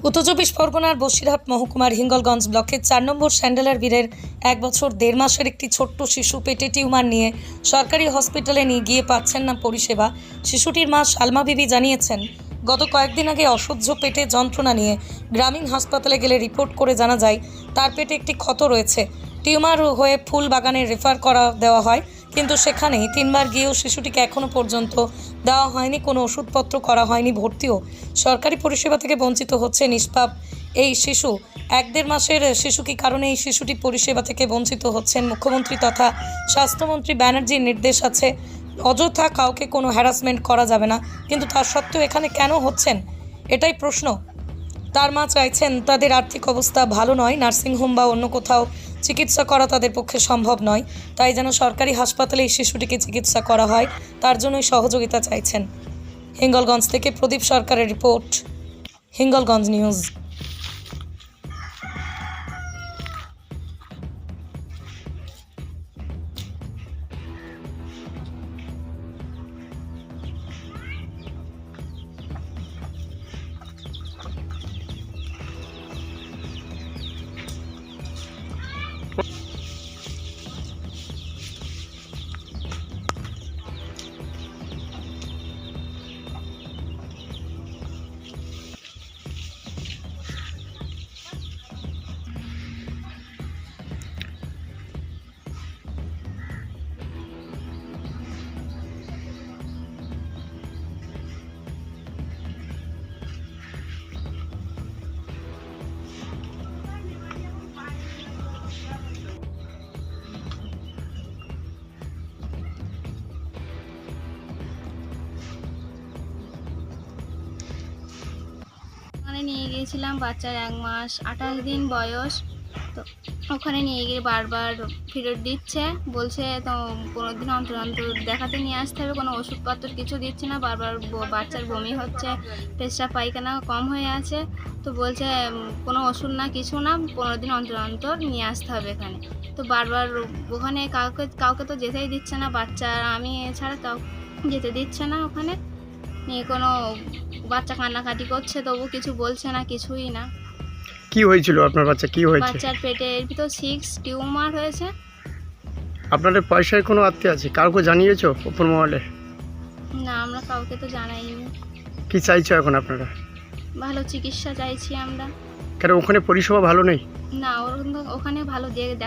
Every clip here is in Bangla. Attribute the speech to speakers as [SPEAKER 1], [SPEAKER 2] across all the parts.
[SPEAKER 1] উত্তর চব্বিশ পরগনার বসিরহাট মহকুমার হিঙ্গলগঞ্জ ব্লকের 4 নম্বর স্যান্ডেলার বীরের 1 বছর 1.5 মাসের একটি ছোট্ট শিশু পেটে টিউমার নিয়ে সরকারি হসপিটালে নিয়ে গিয়ে পাচ্ছেন না পরিষেবা। শিশুটির মা সালমা বিবি জানিয়েছেন, গত কয়েকদিন আগে অসহ্য পেটে যন্ত্রণা নিয়ে গ্রামীণ হাসপাতালে গেলে রিপোর্ট করে জানা যায় তার পেটে একটি ক্ষত রয়েছে। টিউমার হয়ে ফুল বাগানে রেফার করা দেওয়া হয়, কিন্তু সেখানেই 3বার গিয়েও শিশুটিকে এখনও পর্যন্ত দেওয়া হয়নি, কোনো ওষুধপত্র করা হয়নি, ভর্তিও। সরকারি পরিষেবা থেকে বঞ্চিত হচ্ছে নিষ্পাপ এই শিশু। 1.5 মাসের শিশু, কি কারণে এই শিশুটি পরিষেবা থেকে বঞ্চিত হচ্ছেন? মুখ্যমন্ত্রী তথা স্বাস্থ্যমন্ত্রী ব্যানার্জির নির্দেশ আছে, অযথা কাউকে কোনো হ্যারাসমেন্ট করা যাবে না, কিন্তু তার সত্ত্বেও এখানে কেন হচ্ছেন, এটাই প্রশ্ন। তার মা চাইছেন, তাদের আর্থিক অবস্থা ভালো নয়, নার্সিংহোম বা অন্য কোথাও চিকিৎসা করা তাদের পক্ষে সম্ভব নয়, তাই যেন সরকারি হাসপাতালে এই শিশুটিকে চিকিৎসা করা হয়, তার জন্যই সহযোগিতা চাইছেন। হিঙ্গলগঞ্জ থেকে প্রদীপ সরকারের রিপোর্ট, হিঙ্গলগঞ্জ নিউজ।
[SPEAKER 2] ওখানে নিয়ে গিয়েছিলাম, বাচ্চার 1 মাস 28 দিন বয়স। তো ওখানে নিয়ে গিয়ে বারবার ফেরত দিচ্ছে, বলছে তো 15 দিন অন্তর অন্তর দেখাতে নিয়ে আসতে হবে, কোনো ওষুধপত্র কিছু দিচ্ছে না। বারবার বাচ্চার বমি হচ্ছে, পেশাব পায়খানা কম হয়ে আছে, তো বলছে কোনো ওষুধ না কিছু না, 15 দিন অন্তর অন্তর নিয়ে আসতে হবে এখানে। তো বারবার ওখানে কাউকে তো যেতেই দিচ্ছে না, বাচ্চা আমি ছাড়া কাউ যেতে দিচ্ছে না ওখানে নিয়ে। কোনো বাচ্চা কান্নাকাটি করছে, তবু কিছু বলছে না, কিছুই না।
[SPEAKER 3] কি হয়েছিল আপনার বাচ্চা? কি হয়েছে?
[SPEAKER 2] বাচ্চার পেটের ভিতর 6 টিউমার হয়েছে।
[SPEAKER 3] আপনাদের পয়সায় কোনো আত্মীয় আছে? কাউকে জানিয়েছো উপর মহলে?
[SPEAKER 2] না, আমরা কাউকে তো জানাইনি।
[SPEAKER 3] কি চাইছো এখন আপনারা?
[SPEAKER 2] ভালো চিকিৎসা চাইছি আমরা।
[SPEAKER 3] কেন ওখানে পরিষেবা ভালো নেই?
[SPEAKER 2] না, ওখানে ভালো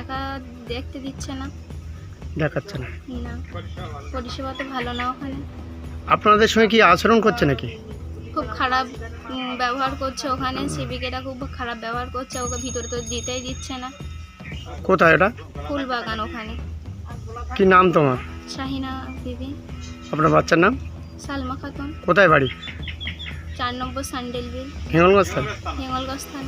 [SPEAKER 2] দেখতে দিচ্ছে না।
[SPEAKER 3] দেখাচ্ছে না?
[SPEAKER 2] না, পরিষেবা তো ভালো না ওখানে।
[SPEAKER 3] আপনাদের সঙ্গে কি আচরণ করছে নাকি?
[SPEAKER 2] খুব খারাপ ব্যবহার করছে ওখানে, সেবিকেরা খুব খারাপ ব্যবহার করছে, ওকে ভিতরে তো দিতেই দিচ্ছে না।
[SPEAKER 3] কোথায় এটা?
[SPEAKER 2] ফুল বাগান ওখানে।
[SPEAKER 3] কি নাম তোমার?
[SPEAKER 2] শাহিনা বিবি।
[SPEAKER 3] আপনার বাচ্চার নাম?
[SPEAKER 2] সালমা খাতুন।
[SPEAKER 3] কোথায় বাড়ি?
[SPEAKER 2] 4 নম্বর স্যান্ডেল বিল,
[SPEAKER 3] হিঙ্গলগঞ্জ থানা?
[SPEAKER 2] হিঙ্গলগঞ্জ থানা।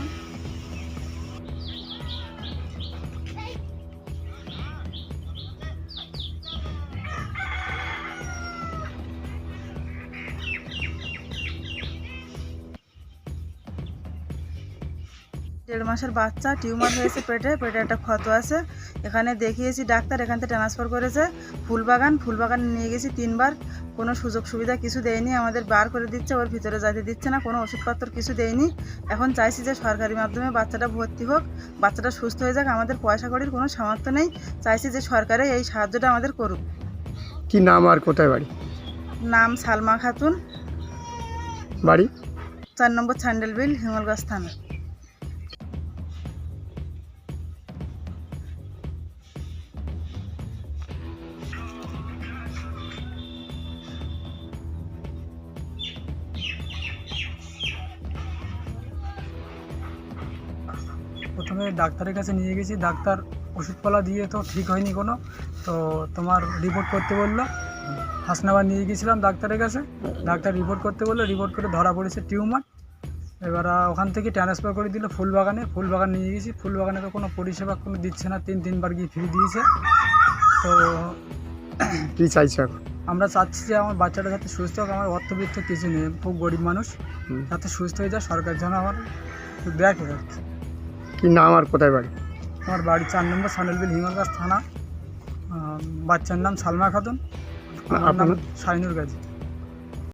[SPEAKER 4] দেড় মাসের বাচ্চা, টিউমার হয়েছে পেটে একটা ক্ষত আছে। এখানে দেখিয়েছি ডাক্তার, এখান থেকে ট্রান্সফার করেছে ফুলবাগান নিয়ে গেছি 3বার, কোনো সুযোগ সুবিধা কিছু দেয়নি, আমাদের বার করে দিচ্ছে, ওর ভিতরে যেতে দিচ্ছে না, কোনো ওষুধপত্র কিছু দেয়নি। এখন চাইছি যে সরকারি মাধ্যমে বাচ্চাটা ভর্তি হোক, বাচ্চাটা সুস্থ হয়ে যাক। আমাদের পয়সা কড়ির কোনো সামর্থ্য নেই, চাইছি যে সরকারে এই সাহায্যটা আমাদের করুক।
[SPEAKER 3] কি নাম আর কোথায় বাড়ি?
[SPEAKER 4] নাম সালমা খাতুন,
[SPEAKER 3] বাড়ি?
[SPEAKER 4] 4 নম্বর স্যান্ডেল বিল, হিঙ্গলগঞ্জ থানা।
[SPEAKER 5] প্রথমে ডাক্তারের কাছে নিয়ে গেছি, ডাক্তার ওষুধপালা দিয়ে তো ঠিক হয়নি কোনো, তো তোমার রিপোর্ট করতে বললো। হাসনাবাদ নিয়ে গিয়েছিলাম ডাক্তারের কাছে, ডাক্তার রিপোর্ট করতে বললো, রিপোর্ট করে ধরা পড়েছে টিউমার। এবার ওখান থেকে ট্রান্সফার করে দিল ফুলবাগান নিয়ে গেছি। ফুলবাগানে তো কোনো পরিষেবা কোনো দিচ্ছে না, 3বার গিয়ে ফ্রি দিয়েছে। তো
[SPEAKER 3] কি চাইছো এখন?
[SPEAKER 5] আমরা চাচ্ছি যে আমার বাচ্চাটা যাতে সুস্থ হোক, আমার অর্থবিত্ত কিছু নেই, খুব গরিব মানুষ, যাতে সুস্থ হয়ে যায়, সরকার যেন আমার দেখে।
[SPEAKER 3] কি নাম আর কোথায় বাড়ি?
[SPEAKER 5] আমার বাড়ি 4 নম্বর স্যান্ডেল বিল, হিঙ্গলগঞ্জ থানা। বাচ্চার নাম সালমা খাতুন, আমার নাম শাহিনুর গাজী।